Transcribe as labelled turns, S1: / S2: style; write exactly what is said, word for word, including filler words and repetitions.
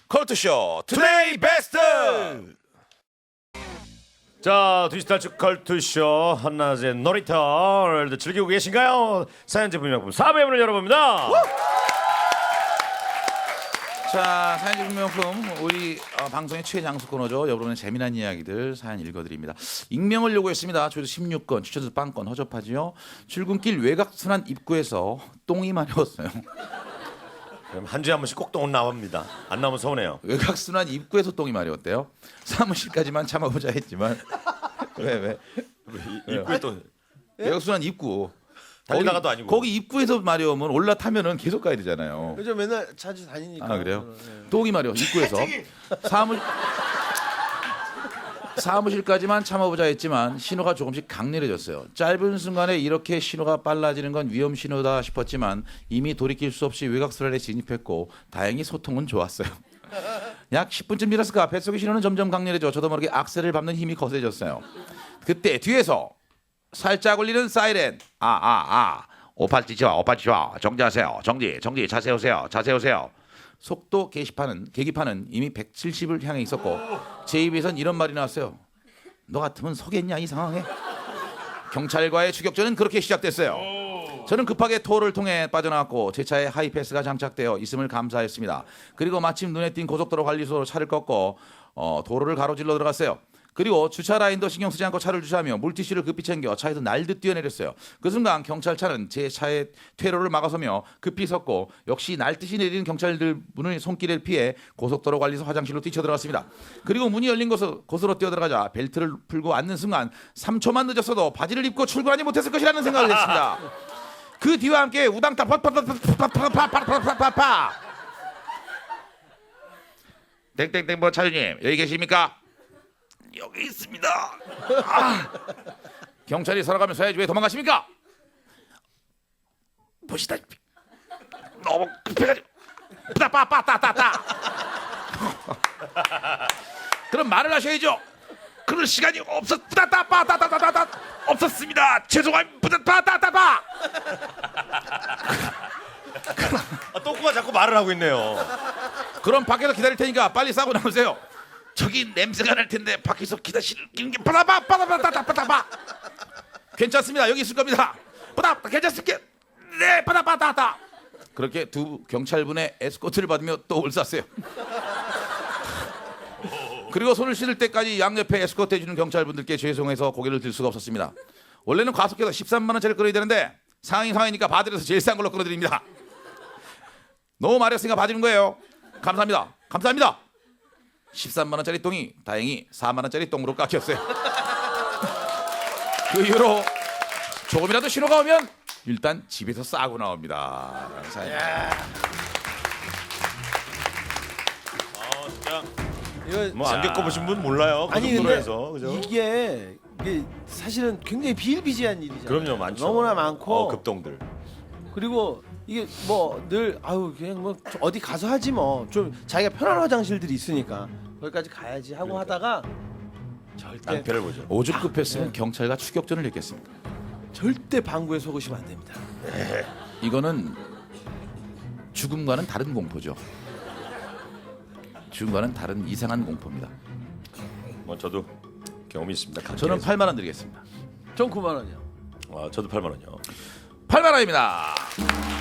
S1: 컬투쇼 투데이 베스트.
S2: 자, 디지털 축 컬투쇼 한낮의 놀이터 오늘도 즐기고 계신가요? 사연 제품 명품 사부의 문을 열어봅니다.
S1: 자, 사연 증명품 우리 어, 방송의 최장수 코너죠. 여러분의 재미난 이야기들 사연 읽어드립니다. 익명을 요구했습니다. 저희도 십육 건 추천수 빵건 허접하지요. 출근길 외곽순환 입구에서 똥이 마려웠어요.
S2: 그럼 한 주에 한 번씩 꼭 똥은 나옵니다. 안 나오면 서운해요.
S1: 외곽순환 입구에서 똥이 마려웠대요. 사무실까지만 참아보자 했지만 왜 왜?
S2: 입구에 또
S1: 외곽순환 입구.
S2: 달리다가도 아니고.
S1: 거기 입구에서 마려우면 올라타면은 계속 가야 되잖아요.
S3: 요즘 맨날 자주 다니니까.
S1: 아 그래요?
S3: 네.
S1: 똥이 마려 입구에서 사무 사무실까지만 참아보자 했지만 신호가 조금씩 강렬해졌어요. 짧은 순간에 이렇게 신호가 빨라지는 건 위험 신호다 싶었지만 이미 돌이킬 수 없이 외곽순환에 진입했고 다행히 소통은 좋았어요. 약 십 분쯤 지났을까 뱃속의 신호는 점점 강렬해져 저도 모르게 악셀을 밟는 힘이 거세졌어요. 그때 뒤에서 살짝 울리는 사이렌. 아 아 아. 오팔찌 좋아 오팔찌 좋아. 정지하세요. 정지 정지 자세 오세요. 자세 오세요. 속도 게시판은 계기판은 이미 백칠십을 향해 있었고 제 입에선 이런 말이 나왔어요. 너 같으면 서겠냐 이 상황에. 경찰과의 추격전은 그렇게 시작됐어요. 저는 급하게 토를 통해 빠져나왔고 제 차에 하이패스가 장착되어 있음을 감사했습니다. 그리고 마침 눈에 띈 고속도로 관리소로 차를 꺾고 어, 도로를 가로질러 들어갔어요. 그리고 주차 라인도 신경 쓰지 않고 차를 주차하며 물티슈를 급히 챙겨 차에서 날듯 뛰어내렸어요. 그 순간 경찰차는 제 차의 퇴로를 막아서며 급히 섰고 역시 날듯이 내리는 경찰들 문의 손길을 피해 고속도로 관리소 화장실로 뛰쳐들어갔습니다. 그리고 문이 열린 곳으로, 곳으로 뛰어들어가자 벨트를 풀고 앉는 순간 삼 초만 늦었어도 바지를 입고 출근하지 못했을 것이라는 생각을 했습니다. 그 뒤와 함께 우당탕 파파파파파파파파파파 땡땡땡 뭐 차주님 여기 계십니까? 여기 있습니다. 아. 경찰이 살아가면서 해야지 왜 도망가십니까? 보시다시피 너무 급해가지고 빠빠빠따따따. 그럼 말을 하셔야죠. 그럴 시간이 없었 빠따빠따따따따 없었습니다. 죄송합니다. 빠따따따.
S2: 아, 똥꼬가 자꾸 말을 하고 있네요.
S1: 그럼 밖에서 기다릴 테니까 빨리 싸고 나오세요. 저기 냄새가 날 텐데 밖에서 기다리는 게 빠다바 빠다바다다 빠다바. 괜찮습니다. 여기 있을 겁니다. 빠다 괜찮습니까? 네 빠다바다다. 그렇게 두 경찰분의 에스코트를 받으며 또 올쌌어요. 그리고 손을 씻을 때까지 양옆에 에스코트 해주는 경찰분들께 죄송해서 고개를 들 수가 없었습니다. 원래는 과속해서 십삼만 원짜리 끌어야 되는데 상황이 상황이니까 봐드려서 제일 싼 걸로 끌어드립니다. 너무 마렸으니까 봐주는 거예요. 감사합니다. 감사합니다. 십삼만 원짜리 똥이 다행히 사만 원짜리 똥으로 깎였어요. 그 이후로 조금이라도 신호가 오면 일단 집에서 싸고 나옵니다.
S3: 이거
S2: 뭐 안 겪어보신 분 몰라요.
S3: 아니 근데
S2: 고속도로에서 그죠?
S3: 이게 이게 사실은 굉장히 비일비재한 일이잖아요.
S2: 그럼요, 많죠.
S3: 너무나 많고
S2: 어, 급동들.
S3: 그리고 이게 뭐 늘 아유 그냥 뭐 어디 가서 하지 뭐 좀 자기가 편한 화장실들이 있으니까 거기까지 가야지 하고
S2: 그러니까.
S3: 하다가 절대
S2: 낭패를 보죠.
S1: 오죽 급했으면 경찰과 추격전을 했겠습니까?
S3: 절대 방구에 속으시면 안 됩니다.
S1: 이거는 죽음과는 다른 공포죠. 죽음과는 다른 이상한 공포입니다.
S2: 뭐 저도 경험이 있습니다.
S1: 저는
S2: 강제에서.
S1: 팔만 원 드리겠습니다.
S3: 전 구만 원이요.
S2: 아, 저도 팔만 원이요.
S1: 팔만 원입니다.